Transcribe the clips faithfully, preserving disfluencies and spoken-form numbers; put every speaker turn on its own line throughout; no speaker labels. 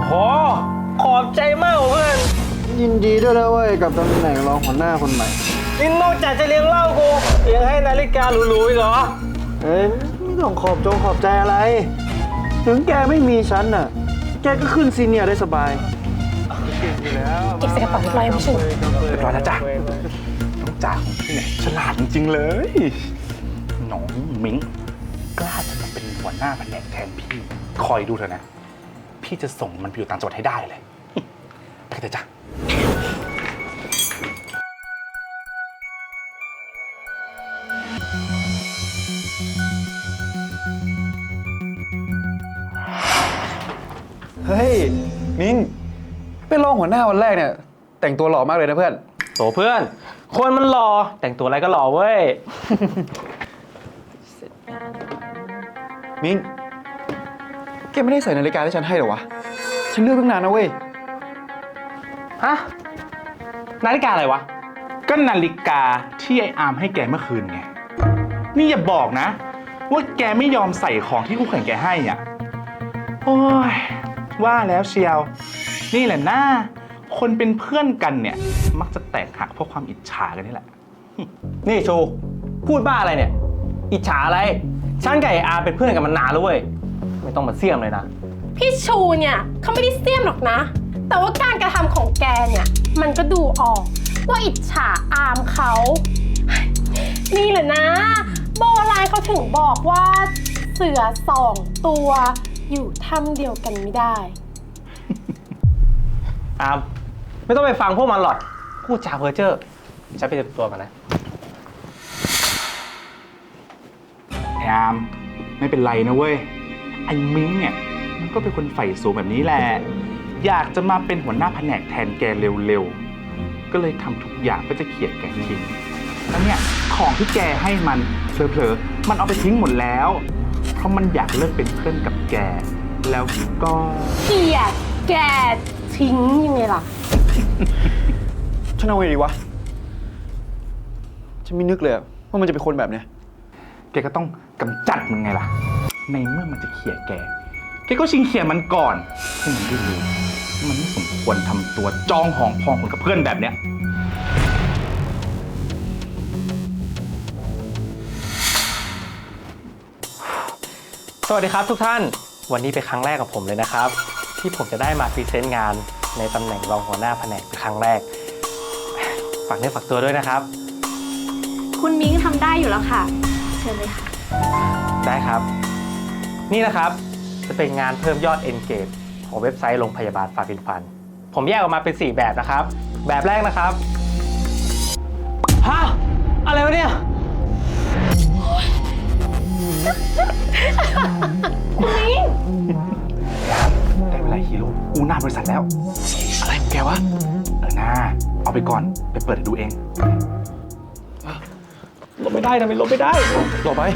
โหขอบใจมากเพื่อน
ยินดีด้วยนะเว้ยกับตำแหน่งรองหัวหน้าคนใหม่
นี่นอกจากจะเลี้ยงเหล้ากูยังให้นาฬิกาหรูๆอีกเหรอ
เอ้ยไม่ต้องขอบจงขอบใจอะไรถึงแกไม่มีฉันน่ะแกก็ขึ้นซีเนียร์ได้สบาย
เก็บใส่กระเป๋าเรียบร้อยพี่ชู
เรียบร้อยแล้วจ้ะน้องจ๋าของพี่เนี่ยฉลาดจริงๆเลยน้องมิ้งกล้าจะมาเป็นหัวหน้าแผนกแทนพี่คอยดูเถอะนะพี่จะส่งมันไปอยู่ต่างจังหวัดให้ได้เลยไปกันเถอะจ้ะ
เฮ้ยมิ้งเป็นรองหัวหน้าวันแรกเนี่ยแต่งตัวหล่อมากเลยนะเพื่อน
โตเพื่อนคนมันหล่อแต่งตัวอะไรก็หล่อเว้ย
มิ้งแกไม่ได้ใส่นาฬิกาที่ฉันให้หรอวะฉันเลือกตั้งนานนะเว้ย
ฮะนาฬิกาอะไรวะ
ก็นาฬิกาที่ไอ้อาร์มให้แกเมื่อคืนไงนี่อย่าบอกนะว่าแกไม่ยอมใส่ของที่คู่แข่งแกให้อ่ะโอ้ยว่าแล้วเชียวนี่แหละหน้าคนเป็นเพื่อนกันเนี่ยมักจะแตกหักเพราะความอิจฉากันนี่แหละ
นี่ชูพูดบ้าอะไรเนี่ยอิจฉาอะไรฉันกับไอ้อาเป็นเพื่อนกันมานานแล้วเว้ยไม่ต้องมาเสี่ยมเลยนะ
พี่ชูเนี่ยเขาไม่ได้เสี่ยมหรอกนะแต่ว่าการกระทำของแกเนี่ยมันก็ดูออกว่าอิจฉาอามเขานี่แหละนะโบราณเขาถึงบอกว่าเสือสองตัวอยู่ถ้ำเดียวกันไม่ได้
อามไม่ต้องไปฟังพวกมันหรอกพูดจาเพ้อเจ้อฉันไปเตรียมตัวกันนะ
ไอ้อามไม่เป็นไรนะเว้ยไอ้มิ้งเนี่ยมันก็เป็นคนใฝ่สูงแบบนี้แหละอยากจะมาเป็นหัวหน้าแผนกแทนแกเร็วๆก็เลยทำทุกอย่างเพื่อจะเขี่ยแกทิ้งแล้วเนี่ยของที่แกให้มันเผลอๆมันเอาไปทิ้งหมดแล้วเพราะมันอยากเลิกเป็นเพื่อนกับแกแล้วก็
เกลียดแกทิ้งยังไงล่ะ
ฉันเอาไงดีวะฉันไม่นึกเลยว่ามันจะเป็นคนแบบเนี้ย
แกก็ต้องกำจัดมันไงล่ะในเมื่อมันจะเขี่ยแกแกก็ชิงเขี่ยมันก่อนให้มันได้รู้มันไม่สมควรทำตัวจองหองพองคนกับเพื่อนแบบเนี้ย
สวัสดีครับทุกท่านวันนี้เป็นครั้งแรกของผมเลยนะครับที่ผมจะได้มาพรีเซนต์งานในตำแหน่งรองหัวหน้าแผนกเป็นครั้งแรกฝากเนื้อฝากตัวด้วยนะครับ
คุณมิ้งทำได้อยู่แล้วค่ะเชิญเลยค่ะ
ได้ครับนี่นะครับจะเป็นงานเพิ่มยอด Engage ของเว็บไซต์โรงพยาบาลฟาฟินฟันผมแยกออกมาเป็นสี่แบบนะครับแบบแรกนะครับฮะอะไรวะเนี่ย
คุณมิ้ง
ได้เวลาฮีโร่อูหน้าบริษัทแล้วอะไรของแกวะเออหน้าเอาไปก่อนไปเปิดดูเอง
ลบไม่ได้นะไม่ลบไม่ได้
ลบไป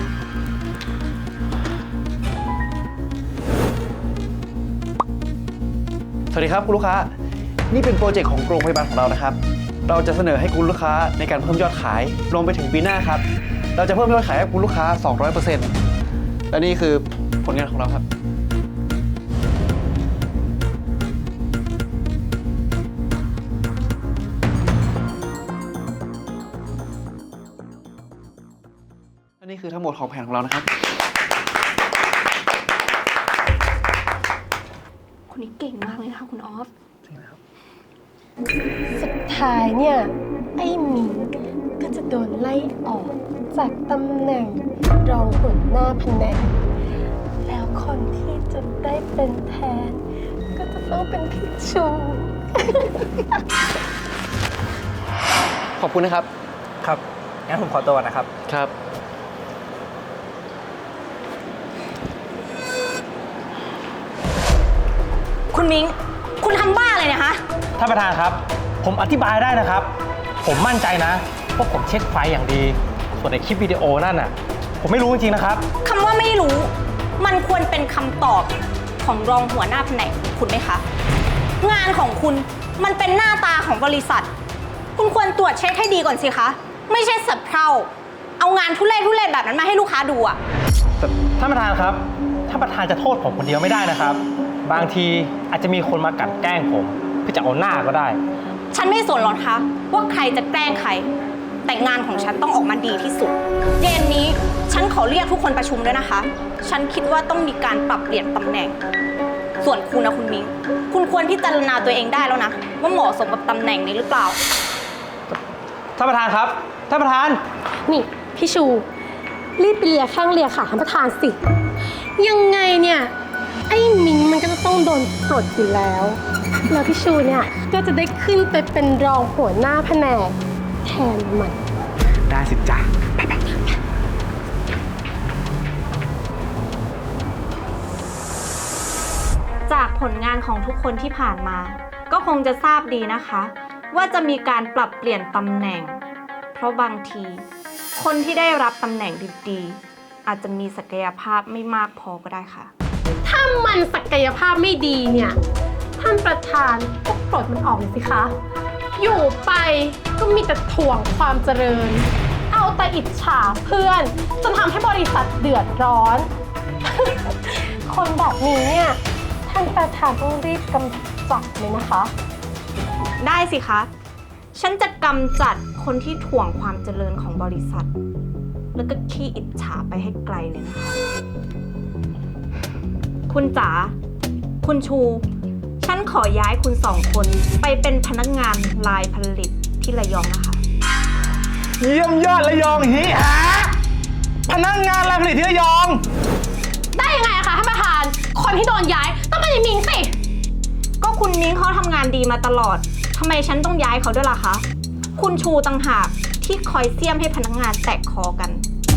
สวัสดีครับคุณลูกค้านี่เป็นโปรเจกต์ของโรงพยาบาลของเรานะครับเราจะเสนอให้คุณลูกค้าในการเพิ่มยอดขายรวมไปถึงปีหน้าครับเราจะเพิ่มยอดขายให้คุณลูกค้า สองร้อยเปอร์เซ็นต์ และนี่คือผลงานของเราครับและนี่คือทั้งหมดของแผนของเรานะครับ
คนนี้เก่งมากเลยนะคะคุณออฟสุดท้ายเนี่ยไอ้หมิงก็จะโดนไล่ออกจากตำแหน่งรองหัวหน้าแผนกแล้วคนที่จะได้เป็นแทนก็จะต้องเป็นพี่ชู
ขอบคุณนะครับ
ครับงั้นผมขอตัวนะครับ
ครับ
คุณมิ้งคุณทำบ้าอะไรเนี่ยคะ
ท่านประธานครับผมอธิบายได้นะครับผมมั่นใจนะว่าผมเช็คไฟล์อย่างดีส่วนในคลิปวิดีโอนั่นน่ะผมไม่รู้จริงๆนะครับ
คำว่าไม่รู้มันควรเป็นคำตอบของรองหัวหน้าแผนกคุณไหมคะงานของคุณมันเป็นหน้าตาของบริษัทคุณควรตรวจเช็คให้ดีก่อนสิคะไม่ใช่สับเพร่าเอางานทุเรศทุเรศแบบนั้นมาให้ลูกค้าดูอะ
ท่านประธานครับท่านประธานจะโทษผมคนเดียวไม่ได้นะครับบางทีอาจจะมีคนมากลั่นแกล้งผมเพื่อจะเอาหน้าก็ได้
ฉันไม่สนหรอกคะว่าใครจะแกล้งใคร แต่งานของฉันต้องออกมาดีที่สุด เย็นนี้ฉันขอเรียกทุกคนประชุมด้วยนะคะ ฉันคิดว่าต้องมีการปรับเปลี่ยนตำแหน่ง ส่วนคุณนะคุณมิ้งคุณควรพิจารณาตัวเองได้แล้วนะ ว่าเหมาะสมกับตำแหน่งนี้หรือเปล่า
ท่านประธานครับ ท่านประธาน
นี่พี่ชู รีบไปเลียแข้งเลียขาท่านประธานสิ ยังไงเนี่ย ไอ้มิงมันก็จะต้องโดนปลดอยู่แล้ว แล้วพี่ชูเนี่ยก็จะได้ขึ้นไปเป็นรองหัวหน้าแผนกแทนมัน
ได้สิจ้ะไปไป
จากผลงานของทุกคนที่ผ่านมา ก็คงจะทราบดีนะคะ ว่าจะมีการปรับเปลี่ยนตำแหน่ง เพราะบางที คนที่ได้รับตำแหน่งดีๆอาจจะมีศักยภาพไม่มากพอก็ได้ค่ะ
ถ้ามันศักยภาพไม่ดีเนี่ยท่านประธานก็ปลดมันออกเลยสิคะ อยู่ไปก็มีแต่ถ่วงความเจริญ เอาแต่อิจฉาเพื่อนจนทำให้บริษัทเดือดร้อน คนแบบนี้เนี่ยท่านประธานต้องรีบกำจัดเลยนะคะ
ได้สิคะ ฉันจะกำจัดคนที่ถ่วงความเจริญของบริษัท แล้วก็ขี้อิจฉาไปให้ไกลเลยนะคะ คุณจ๋า คุณชู ฉันขอย้ายคุณสองคนไปเป็นพนักงานลายผลิตที่ระยองนะคะ
เยี่ยมยอดระยองฮีหาพนักงานรายผลิตที่ระยอง
ได้ยังไงอะคะท่านประธาน คนที่โดนย้ายต้องเป็นไอ้มิงสิ
ก็คุณมิ้งเขาทำงานดีมาตลอด ทำไมฉันต้องย้ายเขาด้วยล่ะคะ คุณชูต่างหากที่คอยเสี้ยมให้พนักงานแตกคอกัน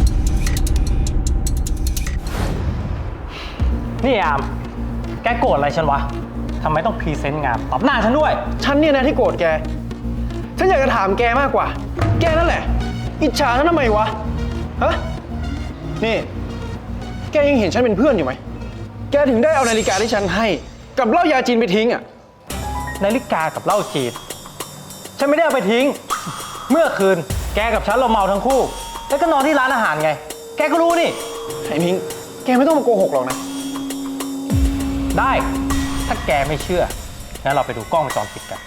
นี่อาม แกโกรธอะไรฉันวะทำไมต้องพรีเซนต์งานตอบหน้าฉันด้วย
ฉันเนี่ยนะที่โกรธแก ฉันอยากจะถามแกมากกว่า แกนั่นแหละ อิจฉาฉันทำไมวะ ฮะ นี่ แกยังเห็นฉันเป็นเพื่อนอยู่ไหม แกถึงได้เอานาฬิกาที่ฉันให้ กับเหล้ายาจีนไปทิ้งอ่ะ
นาฬิกากับเหล้าจีนฉันไม่ได้เอาไปทิ้ง เมื่อคืนแกกับฉันเราเมาทั้งคู่ แล้วก็นอนที่ร้านอาหารไง แกก็รู้นี่
ไอ้มิง แกไม่ต้องมาโกหกหรอกนะ
ได้ ถ้าแกไม่เชื่อ งั้นเราไปดูกล้องวงจรปิดกัน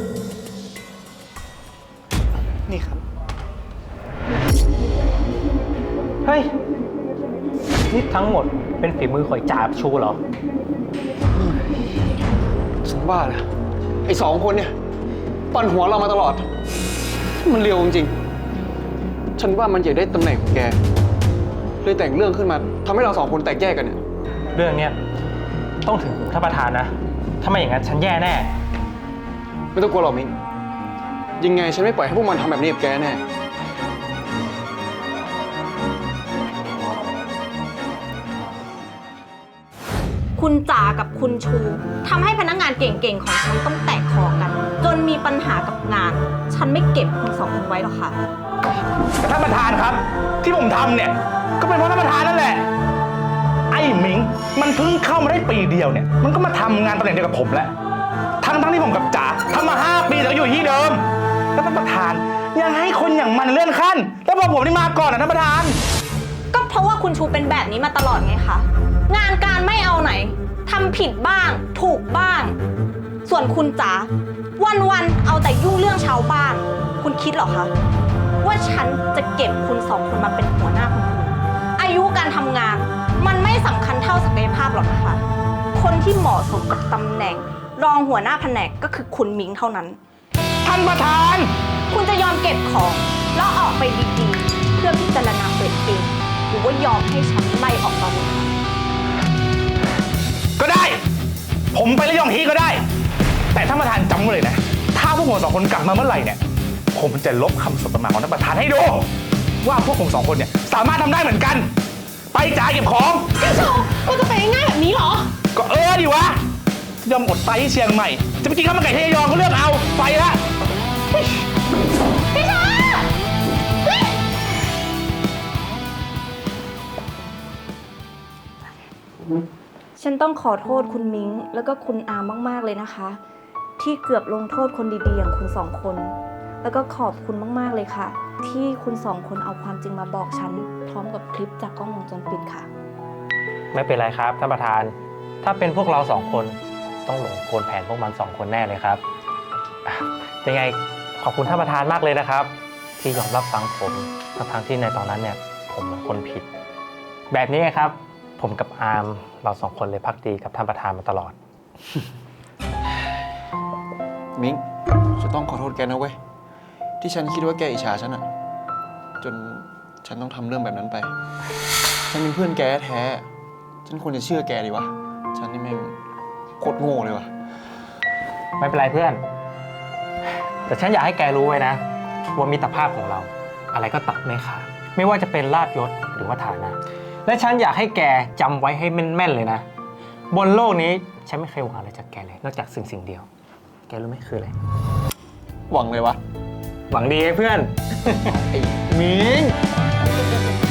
นี่ครับ
เฮ้ย นี่ทั้งหมดเป็นฝีมือข่อยจ่าบชูเหรอ
ฉันว่านะไอ้สองคนเนี่ยปั่นหัวเรามาตลอด มันเร็วจริงๆฉันว่ามันอยากได้ตำแหน่งของแก เลยแต่งเรื่องขึ้นมาทำให้เราสองคนแตกแยกกันเนี่ย
เรื่องเนี้ยต้องถึงหูท่านประธานนะ ถ้าไม่อย่างนั้นฉันแย่แน่
ไม่ต้องกลัวหรอกมิงยังไงฉันไม่ปล่อยให้พวกมันทำแบบนี้กับแกแน่
คุณจ๋ากับคุณชูทำให้พนักงานเก่งๆของฉันต้องแตกคอกัน จนมีปัญหากับงาน ฉันไม่เก็บคุณสองคนไว้หรอกค่ะ
แต่ท่านประธานครับ ที่ผมทำเนี่ย ก็เป็นเพราะท่านประธานนั่นแหละ ไอ้หมิงมันเพิ่งเข้ามาได้ปีเดียวเนี่ย มันก็มาทำงานตำแหน่งเดียวกับผมแล้ว ทั้งทั้งที่ผมกับจ๋าทำมาห้าปีแต่ก็อยู่ที่เดิม แล้วท่านประธานยังให้คนอย่างมันเลื่อนขั้น แล้วพอผมนี่มาก่อนนะท่านประธาน
ก็เพราะว่าคุณชูเป็นแบบนี้มาตลอดไงคะ งานการไม่เอาไหนทำผิดบ้าง ถูกบ้าง ส่วนคุณจ๋าวันๆเอาแต่ยุ่งเรื่องชาวบ้าน คุณคิดเหรอคะว่าฉันจะเก็บคุณสองคนมาเป็นหัวหน้าคนอื่นอายุการทำงานมันไม่สำคัญเท่าศักยภาพหรอกนะคะ คนที่เหมาะสมกับตำแหน่ง รองหัวหน้าแผนกก็คือคุณมิงเท่านั้น
ท่านประธาน
คุณจะยอมเก็บของแล้วออกไปดีๆ เพื่อพิจารณาตัวเองหรือว่ายอมให้ฉันไล่ออกตอนนี้คะ
ก็ได้ ผมไประยองฮีก็ได้ แต่ท่านประธานจำไว้เลยนะ ถ้าพวกผมสองคนกลับมาเมื่อไหร่เนี่ย ผมจะลบคำสบประมาทของท่านประธานให้ดู ว่าพวกผมสองคนเนี่ยสามารถทำได้เหมือนกัน ไปจ่ายเก็บของ
พี่ชูมันจะไปง่ายๆแบบนี้เหรอ
ก็เออดิวะ ยอมอดตายที่เชียงใหม่ จะไปกินข้าวมันไก่ที่ระยองก็เลือกเอา ไปละ
พี่ชูเฮ้ย
ฉันต้องขอโทษคุณมิ้งแล้วก็คุณอามมากๆเลยนะคะ ที่เกือบลงโทษคนดีๆอย่างคุณสองคน แล้วก็ขอบคุณมากๆเลยค่ะ ที่คุณสองคนเอาความจริงมาบอกฉันพร้อมกับคลิปจากกล้องวงจรปิดค่ะ
ไม่เป็นไรครับท่านประธาน ผถ้าเป็นพวกเราสองคนต้องหลงกลแผนพวกมันสองคนแน่เลยครับอ่ะยังไงขอบคุณท่านประธานมากเลยนะครับ ที่ยอมรับฟังผมทั้งๆที่ในตอนนั้นเนี่ยผมเป็นคนผิด แบบนี้ครับ ผมกับอาร์มเราสองคนเลยพักดีกับท่านประธานมาตลอด
มิ้งฉันต้องขอโทษแกนะเว้ย ที่ฉันคิดว่าแกอิจฉาฉันอะจนฉันต้องทำเรื่องแบบนั้นไป ฉันเป็นเพื่อนแกแท้ ฉันควรจะเชื่อแกดีวะ ฉันนี่แม่งโคตรโง่เลยวะ
ไม่เป็นไรเพื่อน แต่ฉันอยากให้แกรู้ไว้นะว่ามิตรภาพของเรา อะไรก็ตัดไม่ขาดไม่ว่าจะเป็นลาภยศหรือว่าฐานะ และฉันอยากให้แกจำไว้ให้แม่นๆเลยนะ บนโลกนี้ฉันไม่เคยหวังอะไรจากแกเลย นอกจากสิ่งสิ่งเดียว แกรู้ไหมคืออะไร
หวังเลยวะ
หวังดีไอ้เพื่อน
ไอ้มิ้ง